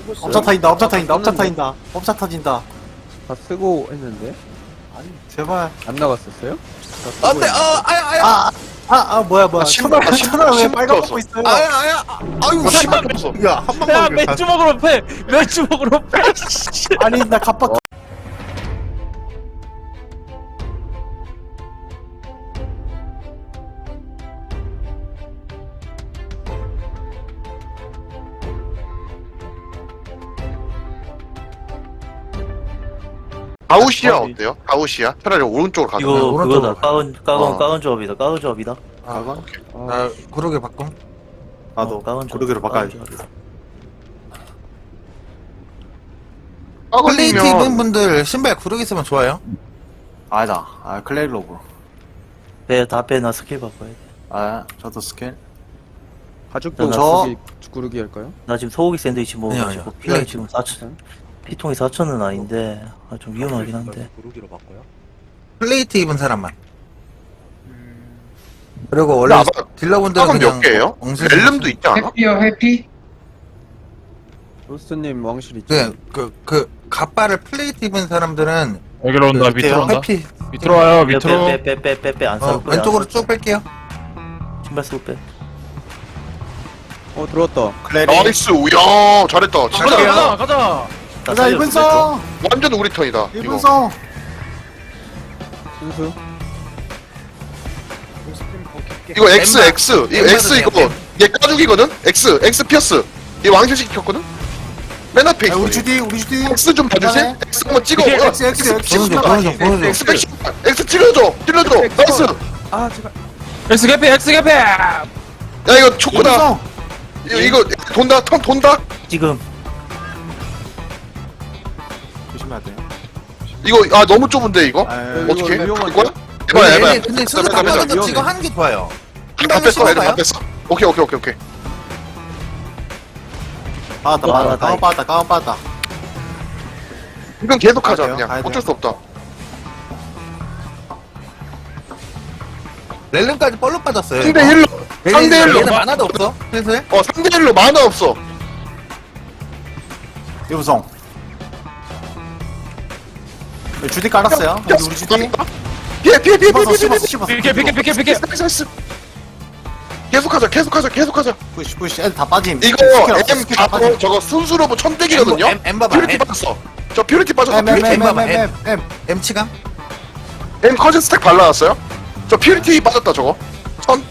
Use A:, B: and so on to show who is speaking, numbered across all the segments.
A: 업차 타인다, 업차 타인다, 업차 타인다, 업차 터진다.
B: 다 쓰고 했는데
A: 제발.
B: 안 나갔었어요?
C: 안돼
A: 뭐야.
D: 신발,
A: 천원 왜
D: 신발
A: 빨간
D: 떴어.
A: 먹고 있어요?
D: 아유 신발 없어.
C: 야한 방만
E: 야
C: 이렇게
E: 맥주 먹으러 패 맥주 먹으러 패
A: 아니, 나 갑박.
D: 가우시아 어때요? 가우시아? 차라리 오른쪽으로 가도.
F: 이거
C: 오른쪽으로
F: 그거다.
D: 어.
F: 까운 조합이다. 까운 조합이다.
A: 가건?
C: 나 그러게 바꿈
A: 나도
F: 까운 조합.
A: 고르기로 바꿔야지.
F: 까운 조합이다.
C: 플레이트 입은
D: 아버님면
C: 분들 신발 구르기 쓰면 좋아요
A: 아니다. 클레이로브.
F: 다 빼. 나 스킬 바꿔야 돼.
A: 저도 스킬.
B: 가죽도
A: 저-
B: 구르기 할까요?
F: 나 지금 소고기 샌드위치
C: 아니야,
F: 먹어가지고
C: 아니야.
F: 피가 지금 4천. 피통이 4천은 아닌데 좀 위험하긴 한데.
C: 플레이트 입은 사람만 그리고 원래
D: 아마
C: 딜러분들은
D: 몇
C: 그냥
D: 개예요?
C: 엉슬
D: 렐름도 있지 않아?
G: 해피요 해피?
B: 로스트님 왕실 있죠?
C: 그 갑바를 플레이트 입은 사람들은
E: 여기로 온다. 밑으로 온다.
C: 해피
E: 밑으로 와요. 밑으로.
F: 빼. 안 사로 빼.
C: 왼쪽으로 쭉 뺄게요
F: 신발 쓰고 빼.
B: 들어왔다.
A: 클레리.
D: 나이스. 우야 잘했다. 진짜
E: 가자 가자.
F: 나
A: 자,
F: 살렸어,
A: 1분성!
D: 완전 우리 턴이다. 이거.
A: 1분성!
B: 순수.
D: 이거 X. 이거 X 이거 얘 까죽이거든. X 피어스. 얘 왕실 시켰거든. 맨 앞에 있어.
A: 우리 주디.
D: X 좀 봐주세요.
A: 그다음에
D: X 한번 찍어.
C: 보여줘
D: X 백 X 찍어줘. 나이스.
B: 아 제발.
E: 엑스 개피 엑스 개피.
D: 야 이거 초코다.
A: 1분성!
D: 이거 돈다. 턴 돈다.
F: 지금
A: 조심해야 돼요.
D: 이거 너무 좁은데 이거.
A: 아유,
D: 어떻게?
B: 위험한데?
D: 이거야? 해봐.
C: 근데 순서
D: 빼자, 빼자.
C: 바꿔서
B: 위험해.
C: 지금 하는 게 좋아요
D: 다 뺐어. 애들 다 뺐어. 오케이.
A: 빠졌다. 까만 빠졌다.
D: 이건 계속 하자
A: 가야 돼요,
D: 그냥.
A: 가야
D: 어쩔 수 없다.
C: 렐름까지 뻘로 빠졌어요
D: 상대 힐러. 상대 힐러.
C: 얘는 만화도 없어 슬슬
D: 상대 힐러 만화 없어.
A: 1분성. 주디 깔았어요. 여기 우리 주디.
D: 피해.
A: 씹었어.
E: 비켜.
D: 나이스. 계속하자.
A: 푸시. 애들 다 빠짐.
D: 이거 M 바로 저거 순수로브 천대기거든요.
C: M 봐봐
D: 퓨리티 빠졌어. 저 퓨리티 빠졌어.
A: M.
C: M 치감
D: M 커즌 스택 발라놨어요. 저 퓨리티 빠졌다 저거. 천.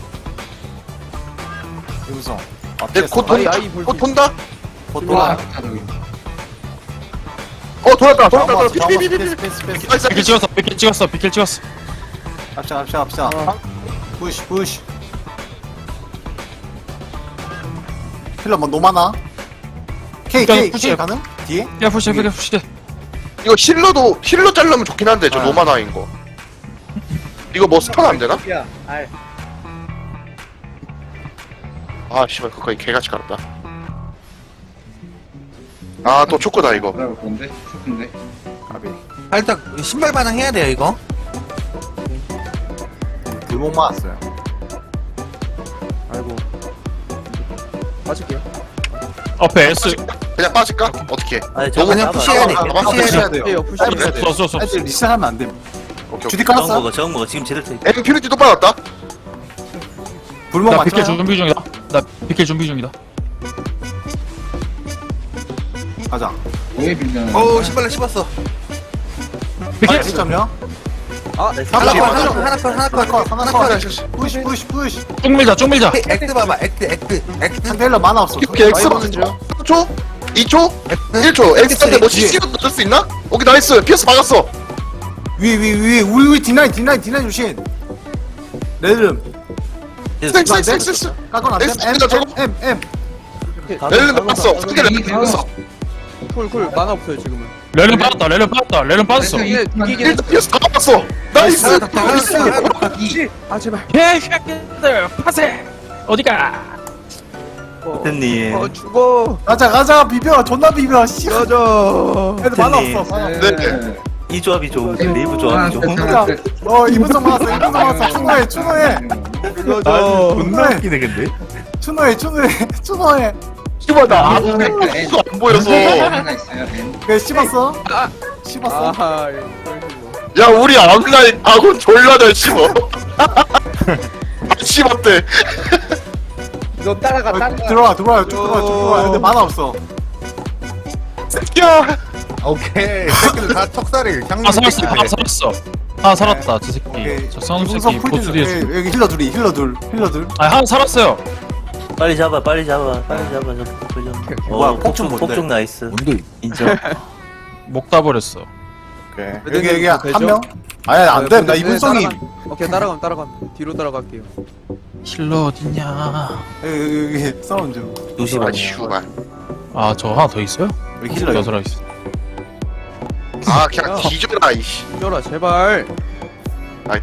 A: 1분성.
D: 곧 돈다. 곧 돈다.
A: 보통.
D: 돌았다.
A: 패스.
D: 나이스.
E: 비킬 찍었어.
A: 갑시다. 푸시. 힐러 뭐 노마나? K 가능? 뒤에?
E: 야 푸시.
D: 이거 힐러 자르면 좋긴 한데 저 노마나인 거. 이거 뭐 스턴 안 되나? 아 씨발 그거까지 개같이 갈았다. 또 초코다 이거.
G: 뭔데? 좋은데?
A: 가비.
C: 살짝 신발 반응해야 돼요 이거
A: 들목 맞았어요.
B: 아이고. 빠질게요.
E: 앞에 S.
D: 그냥 빠질까? 어떻게?
F: 아니
D: 너무
C: 그냥 푸시해야 돼
A: 푸시해야 돼요.
B: 푸시해요, 푸시해야 돼.
E: 써.
A: 애들 리셋하면 안 돼.
D: 오케이.
A: 주디
D: 오케이.
A: 깔았어?
F: 정 먹어. 지금 제대로 돼.
D: M 퓨리티 또 빠졌다.
A: 불목
E: 나 비킬
A: 맞춰요?
E: 준비 중이다.
A: 가자.
G: 왜 빌려는
C: 어우 신발로 씹었어
E: 비킬.
A: 1점요?
C: 하나 컷
A: 푸시.
E: 쭉 밀자.
C: 액트 봐봐 액트
A: 상대 힐러 만화 없어.
D: 오케이 X 맞죠 3초? 2초? 1초. X한테 뭐 CC도 넣을 수 있나? 오케이 나이스. 피어스 막았어.
A: 위 D9 조심. 레드름.
D: 섹스.
A: 까건 안 돼?
D: X입니다, 저거.
A: M.
D: 렐름 막았어. 상대 렐름 막았어.
B: 쿨 만화 없어요 지금은.
E: 렐름 빠졌어.
D: 일단 피어스 다 막았어. 나이스.
B: 아 제발.
E: 개새끼들 파세. 어디가?
F: 대표님.
B: 죽어.
A: 가자 비벼. 존나 비벼. 씨.
B: 꺼져.
A: 애들 만화
F: 대표님.
A: 없어. 만화 없어.
D: 네.
F: 이 조합이 좋은데 레이브 조합이 좋은.
A: 가자. 2분성 맞았어. 추노해.
B: 꺼져.
A: 존나 웃기네 근데. 추노해.
D: 씨발 나
G: N
D: 아무것도 안 보여서.
G: 하나 있어요. N.
A: 왜 씹었어? 씹었어?
B: 아하 이런 식으로.
D: 야 우리 앞라인 아군 졸라 잘 씹어. 씹었대.
B: 너 따라가
A: 들어와 들어와 쭉 들어와 근데 만화 없어.
D: 야
C: 오케이. 새끼들 다 척살이
E: 아
C: 향미
E: 살았어.
C: 새끼들.
E: 아 살았어. 아 살았다. 저 새끼.
A: 오케이.
E: 저 쌍놈
A: 이분석
E: 새끼
A: 풀
E: 보스 뒤에.
A: 좀- 여기 힐러 둘이 힐러 둘.
E: 아 하나 살았어요.
F: 빨리 잡아, 빨리 잡아, 빨리 잡아. 좀.
A: 뭐야, 폭죽 뭔데?
F: 폭죽 나이스.
C: 뭔데?
F: 인정.
E: 목 따버렸어.
A: 여기 한
B: 되죠?
A: 명? 아니 안돼 나 이분성이
B: 오케이 따라가면 뒤로 따라갈게요.
E: 힐러 어딨냐?
A: 여기 사운드
F: 2시
D: 아
F: 반이야.
D: 슈발.
E: 아 저 하나 더 있어요?
A: 여기 힐러
E: 여섯 명 있어.
D: 아 그냥 뒤져라 이씨.
B: 뛰어라 제발.
D: 아이,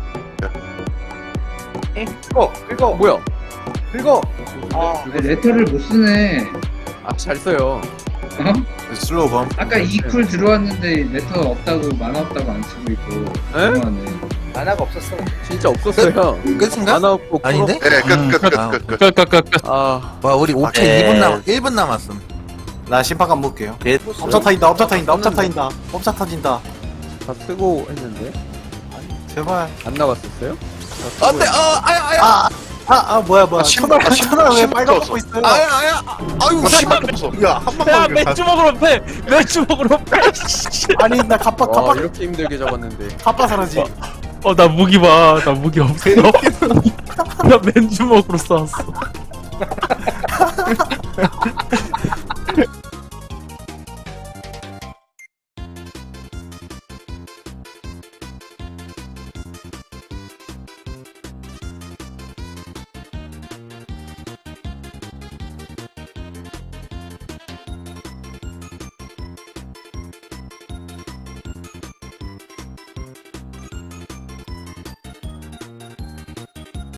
B: 이거 뭐야? 이거
G: 레터를 못 쓰네.
B: 아잘 써요.
G: 어?
A: 슬로우 범
G: 아까 2쿨 들어왔는데 레터 없다고 만화 없다고 안 쓰고 있고. 너무하네.
B: 진짜 없었어요.
C: 끝인가?
B: 하나 없고
C: 아닌데?
D: 네끝끝끝끝.
E: 끝끝끝.
B: 아
C: 와 우리 옥체
F: 네.
C: 2분 남 1분 남았음.
A: 나 심판관 볼게요.
F: 예,
A: 업차 타인다 업차 타인다 업차 타인다 업차 타진다.
B: 다 쓰고 했는데
A: 제발.
B: 안 나갔었어요?
C: 안돼. 아야.
A: 뭐야
D: 아, 신발,
A: 천하 왜
D: 신발
A: 빨간
D: 떴어.
A: 거 있어요?
C: 아야. 아유
D: 씨발 없어.
C: 야한
E: 야
C: 방만
E: 맥주 먹으러 패. 맥주 먹으러 패.
A: 아니 나 갑바
B: 와
A: 갑바
B: 이렇게 힘들게 잡았는데.
A: 갑바 사라지.
E: 나 무기 봐. 나 무기 없어. 나 맨주 먹으러 싸웠어.